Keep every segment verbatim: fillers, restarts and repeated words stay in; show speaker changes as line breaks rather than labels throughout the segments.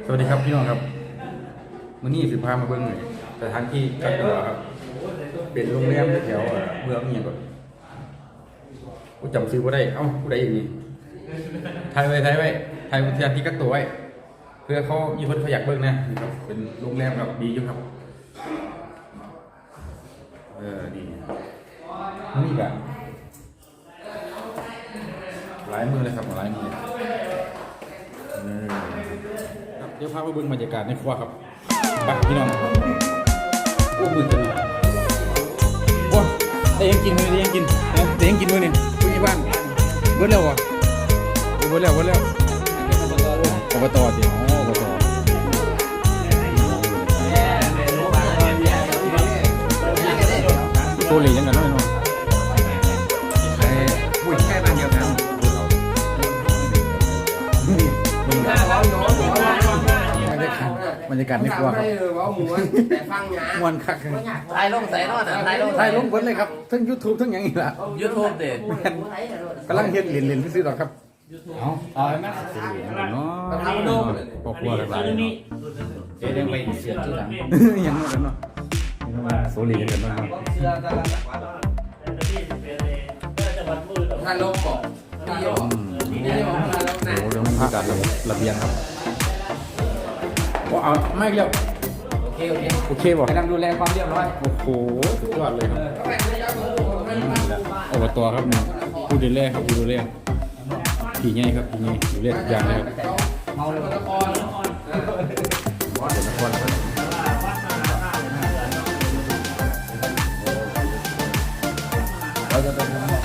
สวัสดีครับพี่น้องครับมื้อนี้สิพามาเบิ่งสถานที่กักตัวครับเป็นโรงแรมแถวเมืองนี่ก่อนกูจำชื่อบ่ได้เอ้าผู้ใดอย่างนี้ถ่ายไว้ถ่ายไว้ถ่ายสถานที่กักตัวไว้เพื่อเขามีคนเขาอยากเบิ่งนะนี่ครับเป็นโรงแรมครับดีอยู่ครับเออนี่นี่ก็หลายมือเลยครับหลายมือเออครับเดี๋ยวพาไปเบิ่งบรรยากาศในครัวครับไปพี่น้องโอ้มือจังเลยโอ้ได้ยังกินมื้อได้ยังกินนะได้ยังกินมื้อนี่ผู้ใหญ่บ้านเบิดแล้วเหรอเบิดแล้วเบิดแล้วอบตสิอ๋ออบตตัวเหลี่ยงกันหน่อยเนาะไอ้ผู้ใกล้บ้านเดียวกันบรรยากาศในครัวครับมวนคัก
ถ่ายลงใส่นอนถ่ายลง
ถ่ายลงเบิดเลยครับทั้ง YouTube ทั้งอย่างนี้ล่ะ
ยูทูบเด็ด
กำลังเฮ็ดเหรียญๆซื้อๆดอกครับเอาเอาไหมเนาะครอบครัวหลายๆเนาะ
เดี๋ยวยังไปเสียชื่อหลัง
ยังเหมือนกันเนาะโซลีกันเนาะ
ถ่ายลงบอกดีออกดีออกถ่ายลงไหน
โอ้เรื่องบรรยากาศระเบียงครับว่าเอาไม่เรียบ
โอเคโอเค
โอเคบ่
กำลังดูแลความเรียบร้อย
โอ้โหสุดยอดเลยครับอบตครับเนี่ยผู้ดูแลครับผู้ดูแลผีใหญ่ครับผีใหญ่ดูแลทุกอย่างเลยครับ
เมาเลยตะกอน
เดี๋ยวนครครับเราจะไปทำ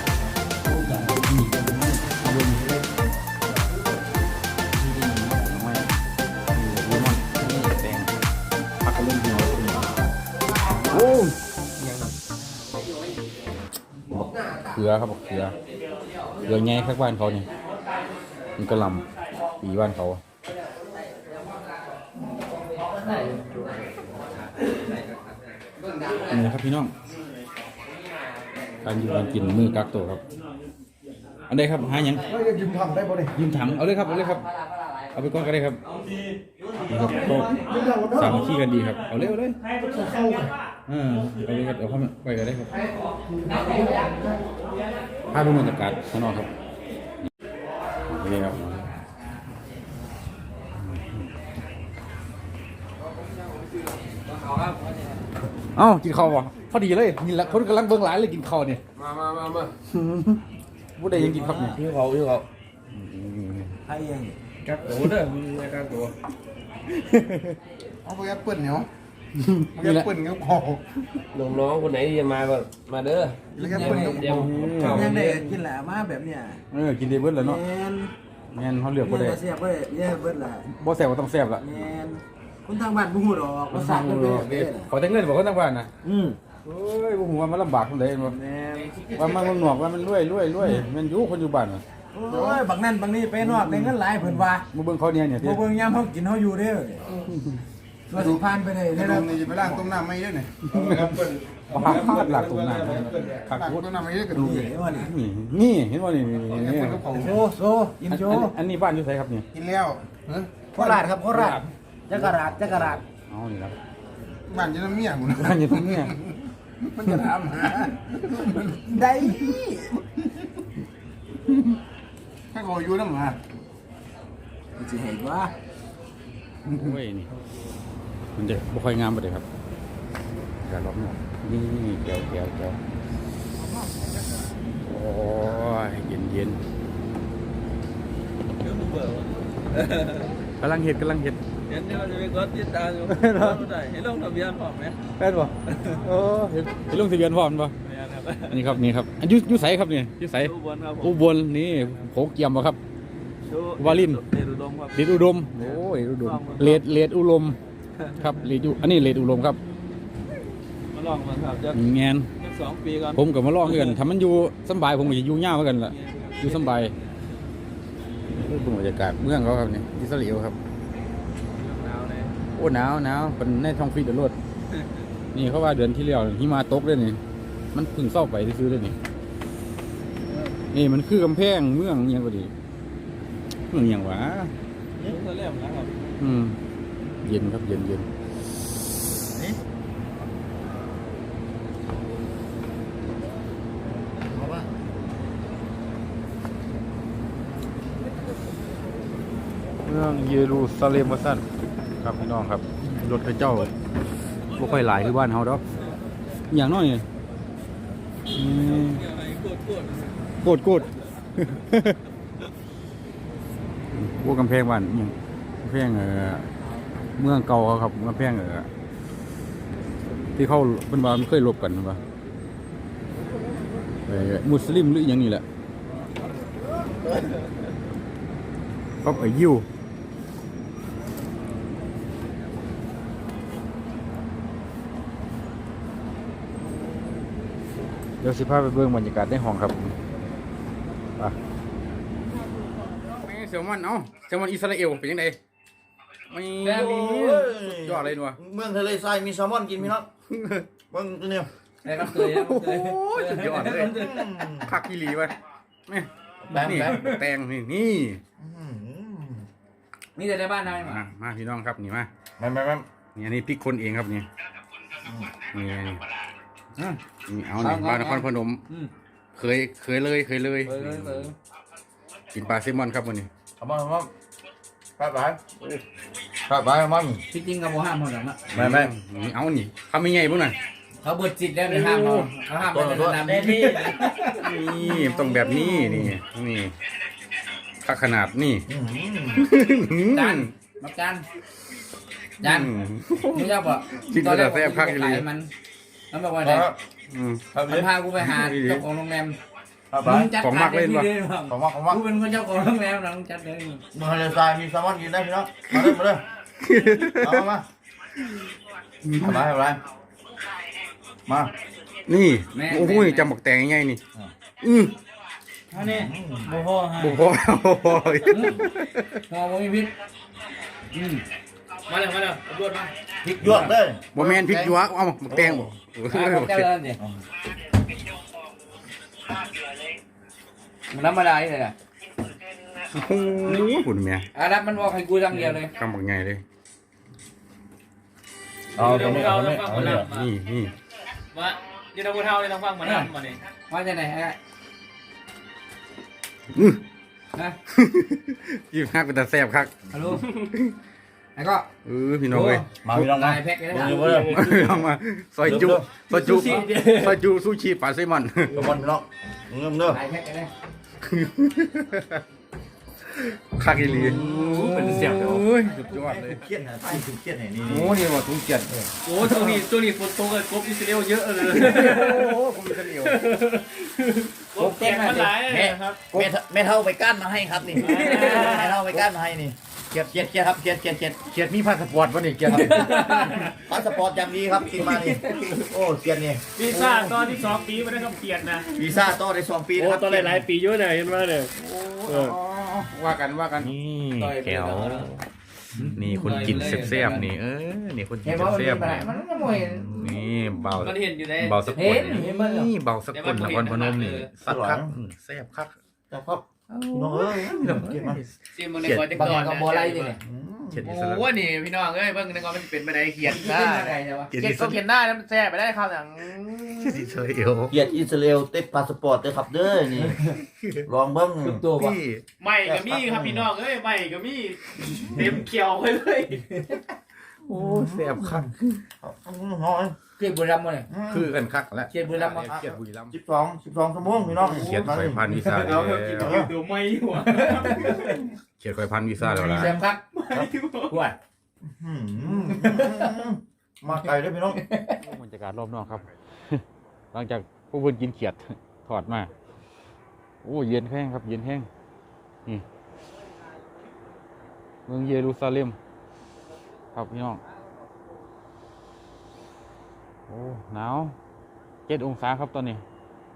โอ้เขือครับเขือเขือแง่ข้างบ้านเขาเนี่ยมันกระลำปีบ้านเขานี่ครับพี่น้องการอยู่การกินมือกักตัวครับอันใดครับหายัง
ยืมทำได้ป่ะเนี่ย
ยืมถังเอาเลยครับเอาเลยครับเอาไปก้อนก็ได้ครับนี่ครับก็สามัคคีกันดีครับเอาเลยเอาเลยอ่าเอาเลยครับเอาเข้าไปก็ได้ครับภาพบรรยากาศข้างนอกครับนี่ครับเอ้ากินข้าววะพอดีเลยนี่แหละคนกำลังเบิ่งหลายเลยกินข้าวเนี่ย
มามามามา
ผู้ใดยังกินครับเนี่ย
พี่เขาพี่เขา
ให้ยัง
กักตัวเด้อมีกักตัว
เอาไปแอปเปิลเนาะแอปเปิลก็พอ
น้องน้องคนไหนที่จะมาก็มาเด้อ
แล้วแอปเปิลก็พอ
ยังได้กินแหละมาแบบเนี้ย
เออกินได้เบิดแล้วเนาะ
แมน
แม่นเขาเลือกบ่ได้
เนี่ยเสียบเว้ยเนี่ยเบิดแหละ
บ่แซ่บก็ต้องแซ่บละ
แมนคนทางบ้านบ่ฮู้ดอกว่าสัตว์มันเป็นแบบนี้
เขาแต่เงินบอกคนทางบ้านนะ
อืม
เอ้ยบ่ฮู้ว่ามันลำบากจังได๋บ่
แมน
ว่ามันมันหนวกว่ามันรวยรวยรวยแม่นอยู่คนอยู่บ้านน่ะ
โอ้ยบักนั่นบักนี้ไปนอกได้เงินหลายเพิ่นว่า
มาเบิ่งเขาเนี่ยเนี่ย
บ่เบิ่งยามเฮากินเฮาอยู่เด้อว่าสิผ่านไปได้
ใน
ได้
โร
แล้ว
งนี้จะไปล้างต้มน้ำไม่เยอะเนี่ย
บ่หักพาดหลักตรงนั้นคัก
ล้าง
พูด
ต้มน้ำไม่เยอะกระดูก
เห็นว่านี่
นี่นี่เห็นบ่นี่นี่
แอป
นี่
เปิลก็พอ
โซโซอินโซ
อันนี้บ้านอยู่ไสครับเนี่ย
กินแล้วเฮ้ย
โคราชครับโคราชจักราชจักราช
เอานี่ครับ
บ้านจะน้ำเมียกูนะ
บ้านอยู่ตรงนี้
มันจะถามหา
ได้
ถ้าเขาอยู่น้ำมา
สิเห็นว่า
โอ้ยนี่มันจะบ่ค่อยงามปานใดครับอย่าล้อมหนอกนี่แก้วแก้วแก้วโอ้ยเย็นเย็นกำลังเห็ดกำลังเห็ด
เห็นที่เราจะไปกดติดตามอยู่ได้เห็นลงทะเบียนพร้อมไหม
แป้นบ่โอ้เห็นเห็นลงทะเบียนพร้อมบ่
ไม่ครับ
อันนี้ครับนี่ครับอันอยุยุไสครับนี่ยุไส
อุบลครับผม
อุบลนี่โขงเกียมบ่ครับ วาลิน
เดรุดมครับ
เลดอุดมโอ้ยเลดอุดมเลดเลดอุดมครับเลดอุอันนี้เลดอุดมครับ
มาลองมาครับจะ
แงน
สองปีก่อน
ผมกับมาลองคือกันถ้ามันอยู่สำบายผมก็จะอยู่ยาวเหมือนกันล่ะอยู่สำบายนี่เป็นบรรยากาศเมืองเขาครับนี่อิสราเอลครับ
หนาวเลย
โอ้หนาวหนาวเป็นในท้องฟิตเดือดรดนี่เขาว่าเดือนที่แล้วหิมะตกเลยนี่มันเพึ่งเศร้าไปซื้อเลยนี่นี่มันคือกำแพงเมืองอหยังก็ดีเมืองอหย่างวะ
นี่คือเล่มนะครับ
มอืมเย็นครับเย็นเย็น
เอาป่ะ
เมืองเยรูซาเล็มว่าสั้นครับพี่น้องครับรถพระเจ้าบ่ค่อยหลายคือบ้านเฮาดอกอย่างน้อยนี่อืม
โกดโกด
โกดโกด พวกกำแพงบ้านอิหยังกำแพงเอ่อเมืองเก่าเขาครับกำแพงเอ่อที่เขาเป็นว่ามันเคยรบกันว่าเอ่อมุสลิมหรืออหยังนี่แหละก็ไอ้ยิวเดี๋ยวสิพาไปเบิ่งบรรยากาศในห้องครับไปแม่งแซลมอนเอ้าแซลมอนอิสราเอลเป็นยังไงไม่สุดยอดเลยหนัว
เมืองทะเลทรายมีแซลมอนกินพี่น้องเมืองตัวเนี้ย
ไอ้ครับเคยครับเคย
โอ้ยสุดยอดเลยคักกิลีไปแม่
แบง
นี่
แบง
แตงนี่นี่
นี่แต่ในบ้านทำไม
มามาพี่น้องครับนี่มา
แม่แม่แม่
นี่อันนี้พริกคนเองครับนี่นี่นี่นี่เอานี่ปลานครพนมเคยเคยเลยเคยเลย
เออเออ
กินปลาแซลมอนครับวันนี้
เอามาเอามาไปไปไปไปเอามัน
ที่จริงกับโมห้ามหมดหรอกนะ
แม่แม่
นี่เอานี่ทำยังไงบ้างน่ะ
เขาเบิดจิตแล้วในห้ามเราเขาห้ามไปในสนามนี่
นี่ต้องแบบนี้นี่นี่ค่าขนาดนี่
จานมาจานจาน
อืม
นี่เจ้าบอก
คิดว่าจะแซ่บคักอีหลี
มันมันบอกว่าไง
อืม
ครับ
มันพากูไปหาเจ้าของโรงแรม
ไป
มึงจัด
ของมั
การ
กเล่นปะ
ที่เลยบ้าง
ของว่าของว่า
กูเป็นคนเจ้าของโรงแรมนะมึงจัดเลย
เมืองทะเลทรายมีแซลมอนกินได้พี่น้องมาเลยมาเลยเอามามาเอาไปเอาไปมา
นี่โอ้โหจำบักแตงง่ายๆนี่อือ
อันนี้โมโหฮะ
บุพอบุพอ
มองมีพิษอืมมาเลยมาเลยตำรวจมา
พริกหยวกเลย
บ่แมนพริกหยวกเอาบักแตงบ่
เจ้าเลยเนี่ยมันธรรมดาเลยอ่ะ
โอ้โหคุณแม่
อาดับมันบอกให้กูจังเดียวเลย
กำบักใหญ่เลย
เอาตรงนี้เอาตรงนี้เอาเนี่ย
นี่นี่
มาเดี๋ยวเราพูดเท่าเลยต้องฟังมาทำมาเนี่ย
มาจากไหนฮะ
อื้อ
นะ
ยิ้มฮักเป็นตาแซ่บคัก
ฮัลโหลแล้วก็
เออพี่น้องเอ้ย
มาพี่น้องมา
ลายแพ็คเลยนะ
อยู่บ่เลย
เอามาซอยจุซอยจุซอยจุซูชิปลาแซลมอน
แซลมอนพี่น้องเงิมเด้อ
ลายแพ็คเลยนะ
คักอีหลี
เป็นเสียงเดี๋ยว
โอ้ยสุดยอดเลย
เครียดนะไปเครียดไหนนี่
โอ้นี่ว่าทุ่งเกียรติ
โอ้ตัวนี้ตัวนี้ฝนตกเลยกบอิสราเอลเยอะเลย
โอ้ผมเป็นเหนียว
กบแกงมันหลายเลยครับ
แม่แม่เท่าไปก้านมาให้ครับนี่แม่เท่าไปก้านมาให้นี่เกียดเกียดเกียดครับเกียดเกียดเกียด
เกียรติมีพาสปอร์ตวะนี่เกียรติ
พาสปอร์ตอย่างดีครับกินมานี่โอ้เกียดนี่
วีซ่าตอนที่สองปีไม่ได้คำเขียนนะ
วีซ่าต่อได้สองปี
โอ้
นะครับ
ตอนหลายๆปีเยอะเลยเห็นไหมเนี่ย
ว่ากันว่ากัน
นี่แก้ว
นี่คนกินแซ่บๆนี่เออนี่คนกิ
เห็
น
นว่ามัน
แซ่บ
มี
ๆ
ปัญ
นี่
หามันก็ไม่เห็น
นี่เบา
มันเห็นอยู่ใน
เบาสกุ
เห็
ล
นเห็นมั้ยเหรอ
นี่เบาสกุลนครพนมนี่สักคักอืมแซ่บคัก
แต่ครับน้องเอ้ยเกียดมา
ซีมันในก่อนจะ
บาง
ก่
อ
อน
ย่างก็โบไลนี่เนี่ย
เขียนอิ
โอ้
สระ
โหนี่พี่น้องเอ้ยเบิ่งในก่อนมันเป็นไปได้เขียน
ได้
ได้
ไงใช่ปะ
เขียน
เขีย
อิ
น
ส
ก็
ระ
เขียนได้แล้วมันแซ่ไปได้ครับอย่าง
อิสราเอล
เกียดอิสราเอลเต็มพาสปอร์ตเลยครับเด้อนี่ลองเบิ้ง
ทุกตัวปะ
พี่
ไม่ก็มีครับพี่น้องเอ้ยไม่ก็มีเต็มเขียวไปเลย
โอ้แซ่บคัก
น้อย
เกียรติบุรีรัมย์มาเลย
คือกันคักแล้ว
เกียรติบุรีรัมย์มา
เขียนบุรีรัมย์
สิบสองสิบสองชั่วโมงพี่น้อง
เขียนข่อยพันวีซ่าแล้ว
ดูไม่หัว
เขียนข่อยพันวีซ่าแล้วล่ะ
แซมครับกวด
มาไกลด้วยพี่น้อง
บรรยากาศรอบนอกครับ หลังจากพวกเพื่อนกินเขียดถอดมาโอ้เย็นแห้งครับ เย็นแห้งนี่เมืองเยรูซาเล็มครับพี่น้องโอ้หนาวเจ็ดองศาครับตอนนี้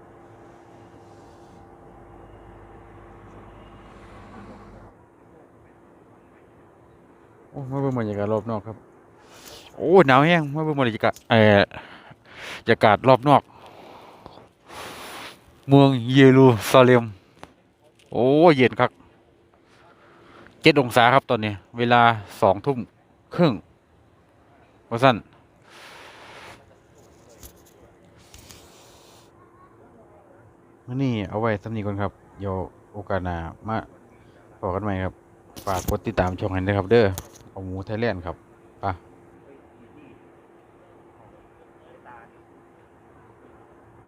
โอ้มาเบิ่งบรรยากาศรอบนอกครับโอ้หนาวแห้งมาเบิ่งบรรยากาศเอ่อบรรยากาศรอบนอกเมืองเยรูซาเล็มโอ้เย็นครับเจ็ดจ็ดองศาครับตอนนี้ เวลาสองทุ่มครึ่งว่าสั้นมื่อนี้เอาไว้สำนีก่อนครับเดี๋ยวโอกาสหน้ามาพบกันใหม่ครับ ฝากกดติดตามช่องให้ด้วยครับเด้อเอาหมูไทยแลนด์ครับไป